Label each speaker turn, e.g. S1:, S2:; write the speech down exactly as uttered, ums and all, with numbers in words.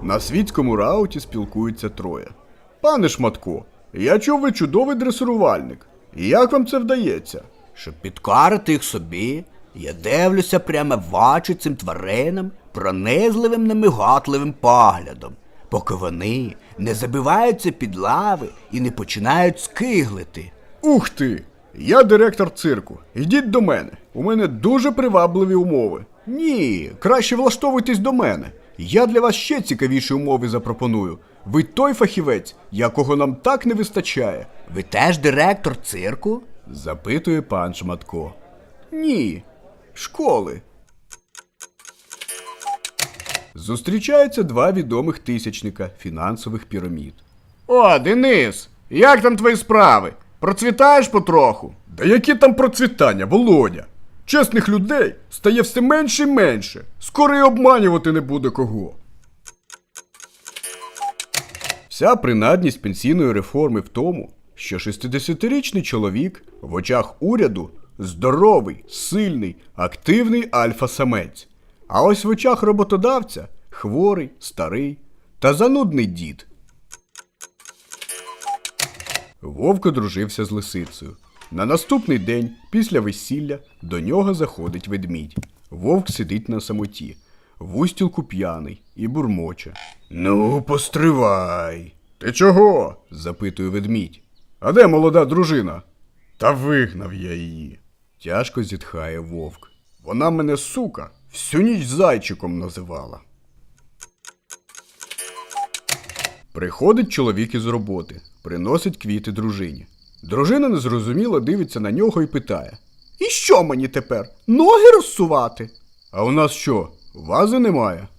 S1: На світському рауті спілкуються троє. Пане Шматко, я чув, ви чудовий дресирувальник. Як вам це вдається?
S2: Щоб підкорити їх собі, я дивлюся прямо в очі цим тваринам пронизливим немиготливим поглядом, поки вони не забиваються під лави і не починають скиглити.
S1: Ух ти! Я директор цирку. Йдіть до мене. У мене дуже привабливі умови. Ні, краще влаштовуйтесь до мене. Я для вас ще цікавіші умови запропоную. Ви той фахівець, якого нам так не вистачає.
S2: Ви теж директор цирку?
S1: Запитує пан Шматко. Ні, школи. Зустрічаються два відомих тисячника фінансових пірамід. О, Денис, як там твої справи? Процвітаєш потроху? Да які там процвітання, Володя? Чесних людей стає все менше і менше. Скоро й обманювати не буде кого. Вся принадність пенсійної реформи в тому, що шістдесятирічний чоловік в очах уряду здоровий, сильний, активний альфа-самець. А ось в очах роботодавця хворий, старий та занудний дід. Вовк одружився з лисицею. На наступний день, після весілля, до нього заходить ведмідь. Вовк сидить на самоті, в устілку п'яний і бурмоче. Ну, постривай. Ти чого? Запитує ведмідь. А де молода дружина? Та вигнав я її. Тяжко зітхає вовк. Вона мене, сука, всю ніч зайчиком називала. Приходить чоловік із роботи, приносить квіти дружині. Дружина незрозуміло дивиться на нього і питає. І що мені тепер? Ноги розсувати? А у нас що, вази немає?